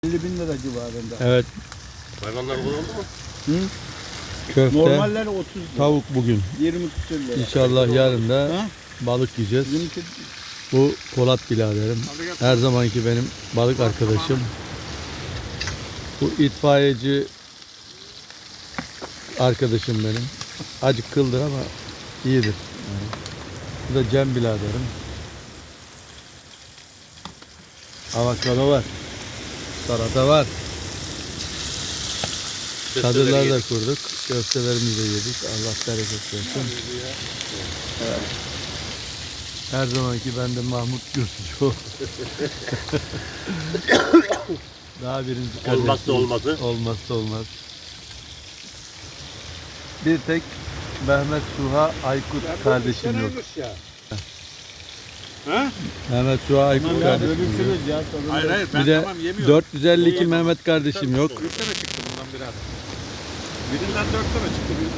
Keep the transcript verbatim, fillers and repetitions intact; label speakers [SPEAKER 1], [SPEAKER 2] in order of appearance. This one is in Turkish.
[SPEAKER 1] elli bin lira civarında.
[SPEAKER 2] Evet.
[SPEAKER 3] Hayvanlar bol oldu mu?
[SPEAKER 1] Hı?
[SPEAKER 2] Köfte,
[SPEAKER 1] Normaller otuz lira.
[SPEAKER 2] tavuk bugün.
[SPEAKER 1] yirmi küsür lira.
[SPEAKER 2] İnşallah yarın da
[SPEAKER 1] Ha?
[SPEAKER 2] balık yiyeceğiz.
[SPEAKER 1] yirmi küsür.
[SPEAKER 2] Bu Polat biraderim. Her zamanki benim balık arkadaşım. Bu itfaiyeci arkadaşım benim. Acık kıldır ama iyidir. Yani. Bu da Cem biraderim. Avokado var. Salata var. Çadırlar da kurduk. Köftelerimizi de yedik. Allah bereket versin. Evet. Her zamanki bende Mahmut Gürsucu. Daha birinci kardeşim.
[SPEAKER 3] Olmazsa olmazı.
[SPEAKER 2] Olmazsa olmaz. Bir tek Mehmet Suha Aykut kardeşim yok.
[SPEAKER 3] Ha?
[SPEAKER 2] Mehmet Suha Aykut
[SPEAKER 1] Tamam ya
[SPEAKER 2] kardeşim yok.
[SPEAKER 1] bölüşürüz ya. sorun
[SPEAKER 3] Hayır
[SPEAKER 1] yok.
[SPEAKER 3] hayır ben
[SPEAKER 2] Bir de
[SPEAKER 3] tamam yemiyorum.
[SPEAKER 2] dört yüz elli iki Mehmet kardeşim yok.
[SPEAKER 3] Dörtte mi çıktı bundan biraz? Birinden dörtte mi çıktı? Birinden